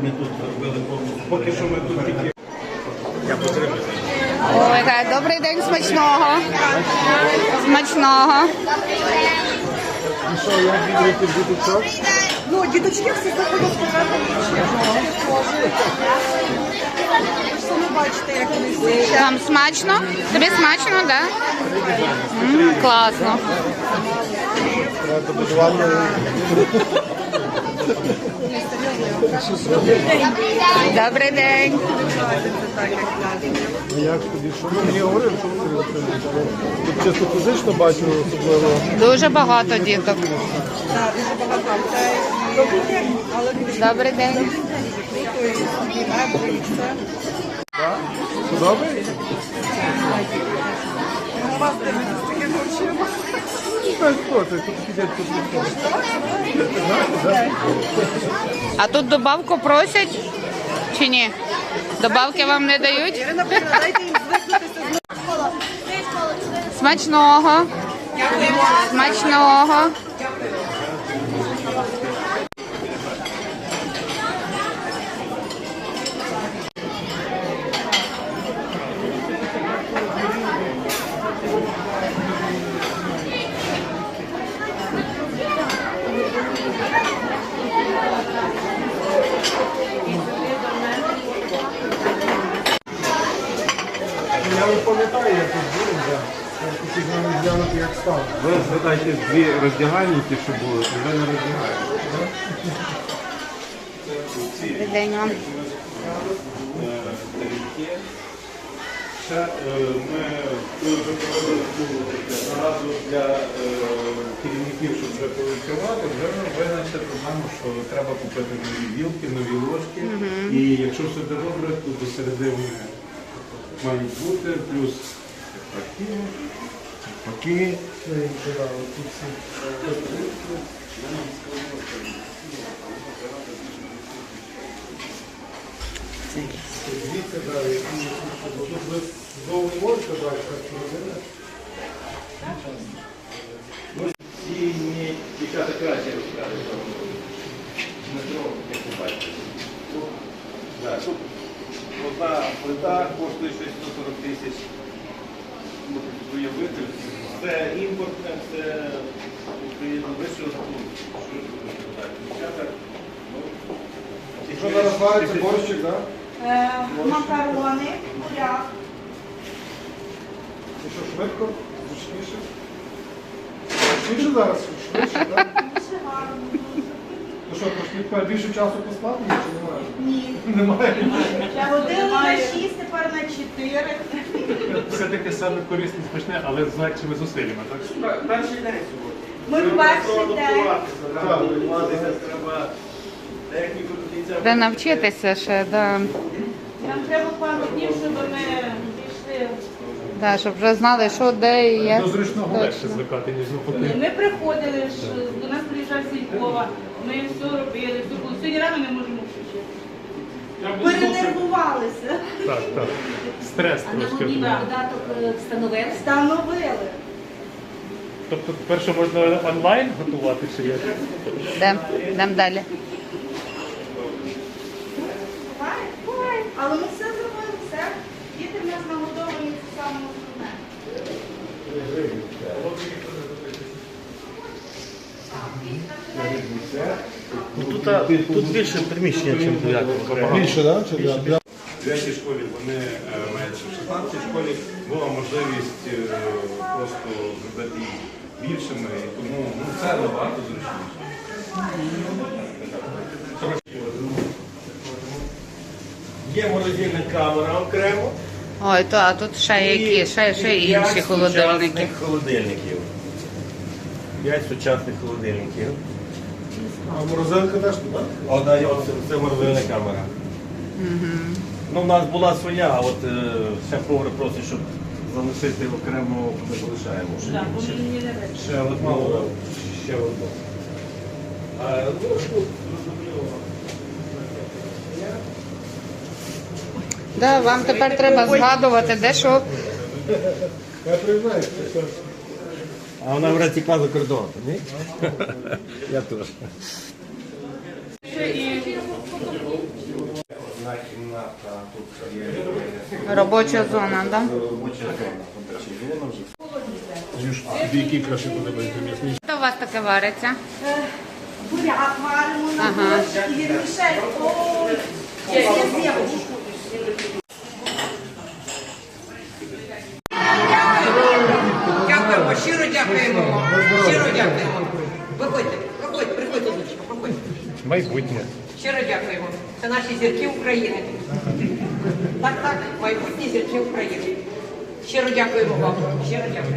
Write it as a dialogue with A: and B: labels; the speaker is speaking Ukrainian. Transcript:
A: ми тут зробили повністю. Поки що ми тут тільки... Я потримую.
B: Ой, так, добрий день, смачного. Смачного.
C: І що, як відвідуєте діточок?
D: Ну, діточки всі заходять сказати нічого. Ви ж самі бачите, як вони всі.
B: Вам смачно? Тобі смачно, так? Да? Класно.
C: Треба будувати.
B: Добрий день.
C: А як тобі? Що ви мені говорили, що ви робите? Тут чисто фізично бачу, особливо.
B: Дуже багато діток.
D: Так, дуже багато. Це добрий день, але не
B: Добрий день.
C: Так? Подобається?
D: у вас дивитися з такими очима.
C: Так, хто це? Тут сидять тут. Знаєте, так?
B: А тут добавку просять чи ні? Добавки вам не дають?
D: Ірина, дайте їм звикнутися з
B: Смачного. Смачного.
C: Я не пам'ятаю, як тут був, так. Я хотів навіть глянути, як став.
A: Ви згадайте дві роздягальники, що були, і ви не роздягаєте.
B: Добрий день вам.
A: Ще ми вже проводили нараду для керівників, щоб вже працювати, вже винайшли проблему, що треба купити нові вілки, нові ложки. І якщо все буде добре, то до середини мають бути, плюс
C: Поки. Це їм подали. Тут всі. Звідси, так, які бо тут ви знову не можете брати, так що робили?
A: ці дівчата краще розказують. Метро, як ви бачите. Тут одна плита коштує 640 тисяч. Можете уявити. Це імпортне, це відповідно вищого ступеня. Дівчата,
C: Що зараз вариться борщик, так?
D: макарони, буряк.
C: І що, швидко? Зручніше? Зручніше зараз? Швидше, так?
D: Дуже гарно.
C: Ну що, трошки більше часу поспати чи немає?
D: Ні.
C: Немає.
D: Ходили на 6, тепер на 4.
E: Все-таки саме корисне, смачне, але з легшими зусиллями, так?
A: перший день сьогодні.
D: Ми в перший день.
A: Треба прийматися, треба техніку до кінця.
B: Треба навчитися ще, да.
D: Нам треба пару днів, щоб ми пішли.
B: Да, щоб вже знали, що де і як.
E: До зручного
B: Точно.
E: легше звикати, ніж навпаки.
D: Ми приходили, ж, до нас приїжджав Сількова, ми все робили, все було. Сьогодні рано не можемо включити. Перенервувалися.
E: Так, так. Стрес трошки.
D: Додаток встановили.
E: Тобто перше можна онлайн готувати чи як?
B: Йдемо далі.
D: Буває. Але ми все зробили, все. Діти в нас нагодовані, це саме основне.
A: Тут більше приміщення, ніж в 9-му.
C: Більше, так? Чи
A: В 9-й школі вони мають в 16-й школі була можливість просто зробити їх більшими, і тому це набагато зручніше. Є морозильна камера окремо.
B: Ой, то, а тут ще які, ще інші холодильники.
A: Холодильників. 5 сучасних холодильників.
C: А морозилка теж тут, так?
A: Це морозильна камера. Ну, в нас була своя, а от шеф-повар просить, щоб залишити окремо, ми залишаємо. Ще одну. Ще одну.
B: Да, вам тепер треба згадувати, де що.
C: Я признаюся.
A: А вона вряд тікла за кордон, ні? Я теж.
B: Робоча зона, так?
C: Танюш, тобі який краще подобається м'ясний?
B: Що у вас таке вариться?
D: Буряк варимо на
B: Ага.
D: борщ і вірмішель. Ой, я з'їм.
F: Дякуємо, щиро дякуємо вам. Щиро дякуємо. Виходьте, виходьте, приходьте, дочка, проходьте.
E: Майбутнє.
F: Щиро дякуємо. Це наші зірки України. Так, так, майбутні зірки України. Щиро дякуємо вам. Щиро дякуємо.